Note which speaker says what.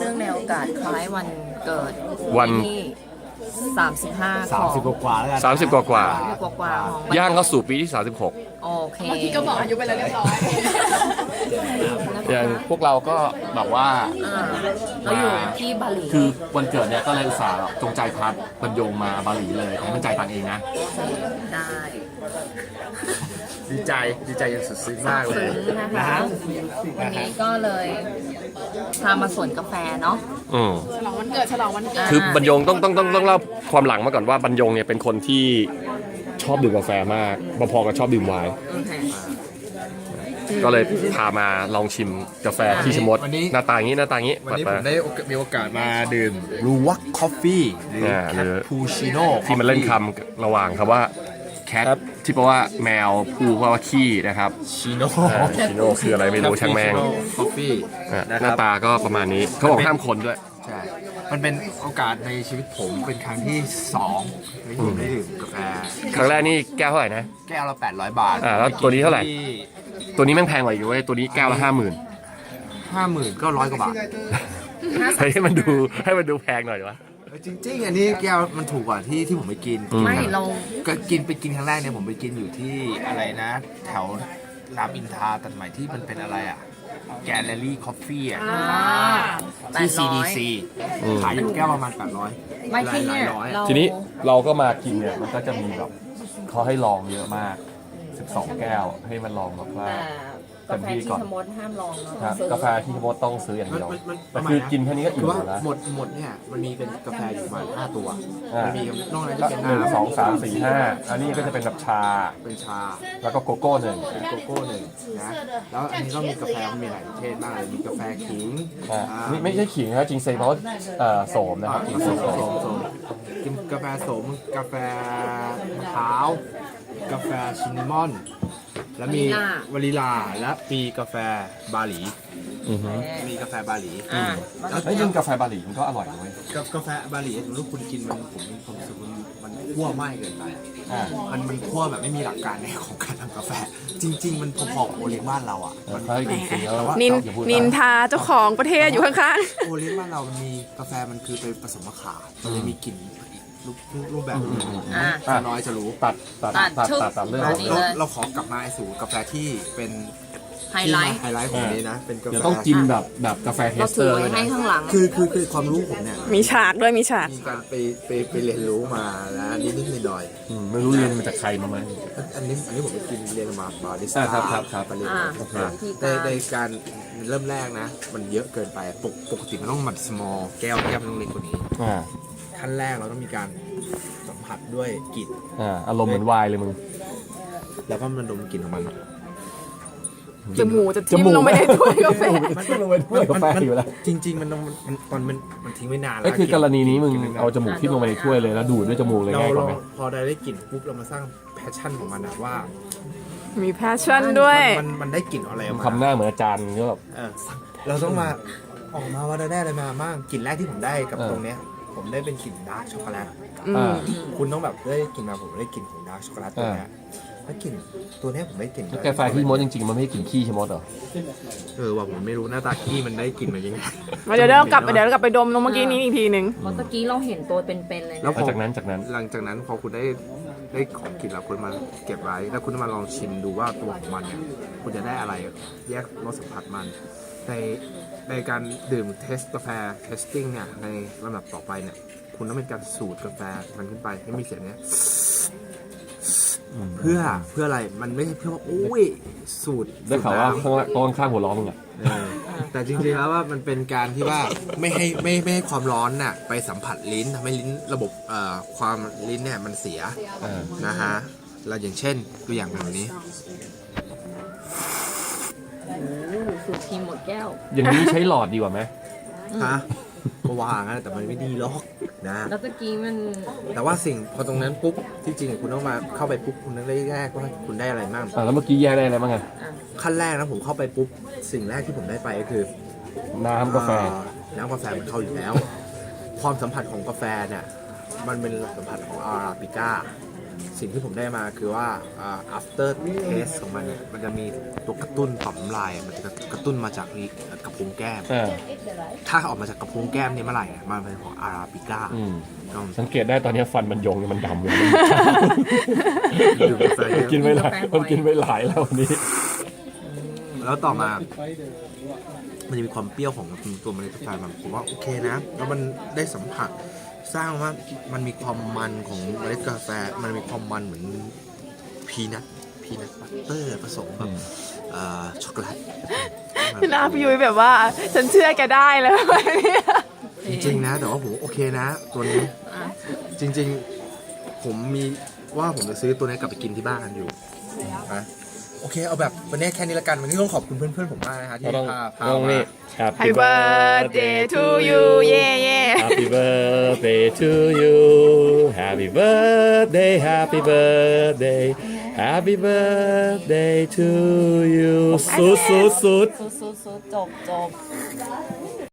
Speaker 1: เนื่องในโอกาสคล้ายวันเกิด
Speaker 2: วัน
Speaker 1: ที่35
Speaker 3: 30 กว่าแล้วกัน
Speaker 2: 30 กว่า
Speaker 1: กว่าของ
Speaker 2: ย่างเข้าสู่ปีที่ 36
Speaker 1: โอเค
Speaker 4: เมื่อกี้ก็บอกอายุไปแล้วเรียบร้อย
Speaker 2: อย่างพวกเราก็แบบว่า
Speaker 1: เราอยู่ที่บาหลี
Speaker 2: คือวันเกิดเนี่ยก็เลยอุตส่าห์จงใจพัดบรรยงมาบาหลีเลยผมมั่นใจตังเองนะ
Speaker 1: ได้
Speaker 3: ดีใจอย่างสุดซึ้งมากเลย
Speaker 1: ซื้อนะคะวันนี้ก็เลยพามาสวนกาแฟเนาะ
Speaker 2: อืม
Speaker 4: ฉลองวันเกิดฉลองวันเกิด
Speaker 2: คือบรรยงต้องเล่าความหลังมาก่อนว่าบรรยงเนี่ยเป็นคนที่ชอบดื่มกาแฟมากพอๆกับชอบดื่มไวน์
Speaker 1: โอเค
Speaker 2: ก็เลยพามาลองชิมกาแฟที่ชะมด
Speaker 3: วันนี้
Speaker 2: หน้าตาอย่างนี้หน้าตาอย่างนี้
Speaker 3: วันนี้
Speaker 2: เปิ
Speaker 3: ผ
Speaker 2: ด
Speaker 3: ม
Speaker 2: มา
Speaker 3: ได้มีโอกาสมาดื่มรูวักคอฟฟี่หรือ
Speaker 2: หรือ
Speaker 3: พูชิโน่
Speaker 2: ที่มันเล่นคำระหว่างคำว่าแคทที่แปลว่าแมวพูแปลว่าขี้นะครับ
Speaker 3: ชิโน่
Speaker 2: ชิโน่คืออะไรไม่รู้ช่างแม่ง
Speaker 3: คอฟฟี่
Speaker 2: หน้าตาก็ประมาณนี้เขาบอกห้ามคนด้วย
Speaker 3: ใช่มันเป็นโอกาสในชีวิตผมเป็นครั้งที่2ที่ผมได้ดื่มกาแฟ
Speaker 2: ครั้งแรกนี่แก้วเท่าไหร่นะ
Speaker 3: แก้วละ800 บาท
Speaker 2: แล้วตัวนี้เท่าไหร่ ตัวนี้แม่งแพงกว่าอีกเว้ยตัวนี้แก้วละ 50,000
Speaker 3: 50,000ก็100 กว่าบาท
Speaker 2: ให้มันดูแพงหน่อยวะ
Speaker 3: จริงๆอันนี้แก้วมันถูกกว่าที่ผมไปกิน
Speaker 1: ไม่เรา
Speaker 3: ก็ไปกินครั้งแรกเนี่ยผมไปกินอยู่ที่อะไรนะ แถวรามอินทราตัดใหม่ที่มันเป็นอะไรอ่ะแกลเลอรี่คอฟฟี่อ่ะที่ CDC ขายอยู่แก้วประมาณ800
Speaker 1: ไม่ที่เนี่ย
Speaker 3: ร้อย
Speaker 1: เรา
Speaker 2: ทีนี้เราก็มากินเนี่ยมันก็จะมีแบบเขาให้ลองเยอะมาก 12 แก้วให้มันลองแบบว่า
Speaker 1: แต่กาแฟที่ชะมดห้ามลองเนาะ
Speaker 2: ครับ
Speaker 1: ซื้อก
Speaker 2: าแฟที่มดต้องซื้ออย่างเดียว
Speaker 3: มัน
Speaker 2: แต่คือกินแค่นี้ก็
Speaker 3: คื
Speaker 2: อิ่
Speaker 3: อ
Speaker 2: ม
Speaker 3: ว่า
Speaker 2: แล้ว
Speaker 3: หมดเนี่ยมันมีเป็นกาแฟอยู่ประมาณ5 ตัว
Speaker 2: อ่ามั
Speaker 3: มันมีนอกนั้น
Speaker 2: ก็
Speaker 3: จะเป็น
Speaker 2: หนึ่ง
Speaker 3: น้ำ
Speaker 2: สองสามสี่ห้าอันนี้ก็จะเป็นแบบชา
Speaker 3: เป็นชา
Speaker 2: แล้วก็โกโก้หนึ่ง
Speaker 3: เป็นโกโก้หนึ่งนะแล้วอันนี้ก็มีกาแฟมีหลายประเภทมากเลยมีกาแฟขิง
Speaker 2: นี่ไม่ใช่ขิงนะครับจริงเซเพราะโสมนะครับจริง
Speaker 3: โส
Speaker 2: โสม
Speaker 3: มกินกาแฟโสมกาแฟมะพร้าวกาแฟชินนามอน แล้วมีวานิลาและมีกาแฟบาหลี
Speaker 2: อือฮึ
Speaker 3: มีกาแฟบาหลี
Speaker 2: แล้วจริงกาแฟบาหลีมันก็อร่อยด้วย
Speaker 3: กาแฟบาหลีสมมติคุณกินผมมีความรู้สึกว่ามันคั่วไหม้เกินไป มันคั่วแบบไม่มีหลักการในของการทำกาแฟ จริง ๆ มันพอๆกับโอเลี้ยงบ้านเราอ่ะมัน
Speaker 2: เขาให้กินแล้ว
Speaker 4: นินทาเจ้าของประเทศอยู่ข้าง
Speaker 3: โอเลี้ยงบ้านเรามันมีกาแฟมันคือไปผสมมะขามมันเลยมีกลิ่นอีกรูปแบบหนึงจะน้อยจะรู้
Speaker 2: ตัดเรื่อง
Speaker 3: เราขอกลับมาสู่กาแฟที่เป็น
Speaker 1: ไฮไลท์
Speaker 3: ไฮไลท์ของนี้นะเป็นกาแฟ
Speaker 2: เดี๋ยวต้องกินแบบกาแฟเท
Speaker 1: เรา
Speaker 2: สเต
Speaker 1: ถื
Speaker 2: อ
Speaker 1: อ
Speaker 2: ร์
Speaker 1: ไว้
Speaker 2: ด้วย
Speaker 1: ให้
Speaker 2: นะ
Speaker 1: ข้างหลัง
Speaker 3: คือความรู้ผมเนี่ย
Speaker 4: ๆ มีฉากด้วยมีฉาก
Speaker 3: มีการไปเรียนรู้มาแล้วนิดหน่อย
Speaker 2: ไม่รู้เรียนมาจากใครมาไหม
Speaker 3: อันนี้ผมไปกินเรียนมาบาริส
Speaker 2: อ่า
Speaker 3: ต้า
Speaker 2: ครับ
Speaker 3: ไปเรียน
Speaker 1: อ่า
Speaker 3: มาในการเริ่มแรกนะ มันเยอะเกินไปปกติมันต้องมัน small แก้วมันต้องเล็กกว่านี้ ขั้นแรกเราต้องมีการสัมผัสด้วยกลิ่น
Speaker 2: อารมณ์เหมือนไวน์เลยมึง
Speaker 3: แล้วก็มันดมกลิ่นของมัน
Speaker 4: จมูกจะทิ่มลงไปในถ้วยกาแฟ
Speaker 2: มันก็ลงไปถ้วยกาแฟอยู่แล้ว
Speaker 3: จริง ๆ มันทิ้งไว้นานแล้ว
Speaker 2: ก็คือกรณีนี้มึงเอาจมูกที่ลงไปในถ้วยเลยแล้วดูดด้วยจมูกเลย
Speaker 3: เรา
Speaker 2: ง่ายกว่าไหม
Speaker 3: พอได้กลิ่นปุ๊บเรามาสร้างแพชชั่นของมันนะว่า
Speaker 4: มีแพชชั่นด้วย
Speaker 3: มันได้กลิ่นอะไรออกมา
Speaker 2: ทำหน้าเหมือนอาจารย์ก็แบบ
Speaker 3: เราต้องมาออกมาว่าได้อะไรมาบ้างกลิ่นแรกที่ผมได้กับ
Speaker 2: เออ
Speaker 3: ตรงเนี้ยผมได้เป็นกลิ่นดาร์กช็อกโกแลต
Speaker 2: อ่า
Speaker 3: คุณต้องแบบได้กลิ่นมาผมได้กลิ่นของดาร์กช็อกโกแลตตัวเนี้ยแล้วกลิ่นตัวเนี้ยผมได้กลิ่น
Speaker 2: แล้วกาแฟที่มดจริงๆมันไม่ให้กลิ่นขี้ใช่มดเหรอ
Speaker 3: ว่าผมไม่รู้หน้าตาขี้มันได้กลิ่นมายังไง
Speaker 4: เดี๋ยวเรากลับไปดมตรงเมื่อกี้นี้อีกทีหนึ่ง
Speaker 1: เมื่อกี้เราเห็นตัวเป็นๆเลย
Speaker 3: แล้
Speaker 1: นะ
Speaker 3: ว
Speaker 2: จากนั้น
Speaker 3: หลังจากนั้นพอคุณได้ของกลิ่นแล้วคุณมาเก็บไว้แล้วคุณมาลองชิมดูว่าตัวของมันเนี่ยคุณจะได้อะไรแยกรสสัมผัสมันในการดื่มเทสกาแฟเทสติ้งเนี่ยในลำดับต่อไปเนี่ยคุณต้องเป็นการสูดกาแฟมันขึ้นไปให้มีเสียงเนี้ยเพื่ออะไรมันไม่ใช่เพื่อว่าโอ้ยสูตร
Speaker 2: ได้ข่าวว่าข้างหัวล้อมึงอ่ะ
Speaker 3: แต่จริงๆแล้วว่ามันเป็นการที่ว่าไม่ให้ความร้อนน่ะไปสัมผัสลิ้นทำให้ลิ้นระบบความลิ้นเนี่ยมันเสียนะฮะเราอย่างเช่นตัวอย่างแบบนี้
Speaker 1: สูตรทีมหมดแก้ว
Speaker 2: อย่างนี้ใช้หลอดดีกว่าไหม
Speaker 3: ฮะก็ว่างั้นแต่มันไม่ดีหรอกนะ
Speaker 1: แล้วตะกี้มัน
Speaker 3: แต่ว่าสิ่งพอตรงนั้นปุ๊บที่จริงคุณต้องมาเข้าไปปุ๊บคุณต้องได้แรกว่าคุณได้อะไรบ้าง
Speaker 2: แล้วเมื่อกี้แยกได้อะไรบ้างไง
Speaker 3: ขั้นแรกนะผมเข้าไปปุ๊บสิ่งแรกที่ผมได้ไปก็คือ
Speaker 2: น้ำกาแฟ
Speaker 3: น้ำกาแฟมันเข้าอยู่แล้ว ความสัมผัสของกาแฟเนี่ยมันเป็นสัมผัสของอาราบิก้าสิ่งที่ผมได้มาคือว่าafter taste ของมันเนี่ยมันจะมีตัวกระตุ้นต่อมน้ำลายมันจะกระตุ้นมาจากกระพุ้งแก้ม ถ้าออกมาจากกระพุ้งแก้มเนี่ยเมื่อไหร่เนี่ยมันเป็นของอาราบิก้า
Speaker 2: สังเกตได้ตอนนี้ฟันมันยงเนี่ยมันดำเลย
Speaker 3: ดื่มกาแฟเย
Speaker 2: กิน
Speaker 3: อะ
Speaker 2: ไม่หลายมันกินไม่หลายแล้ววันนี้
Speaker 3: แล้วต่อมา มันจะมีความเปรี้ยวของตัวเมล็ดกาแฟมันผมว่าโอเคนะ แล้วมันได้สัมผัสสร้างว่ามันมีความมันของเมล็ดกาแฟ มันมีความมันเหมือนพีนัทบัตเตอร์ผสมกับช็อกโกแลต
Speaker 4: พี่นาพี่ยุ้ยแบบว่า ฉันเชื่อแกได้เลยแบบนี้
Speaker 3: จริงๆนะ แต่ว่าผมโอเคนะ ตัวนี้ จริงๆ ผมมีว่าผมจะซื้อตัวนี้กลับไปกินที่บ้านอยู่นะโอเคเอาแบบวันนี้แค่นี้ละกันวันนี้ต้องขอบคุณเพื่อนๆผมมากนะฮะที่
Speaker 2: ต้อง
Speaker 3: พา
Speaker 2: ต้อง
Speaker 3: มา
Speaker 2: นี่
Speaker 4: Happy birthday to you เย่เย่
Speaker 2: Happy birthday to you Happy birthday Happy birthday Happy birthday to you สุด
Speaker 1: สุดจบ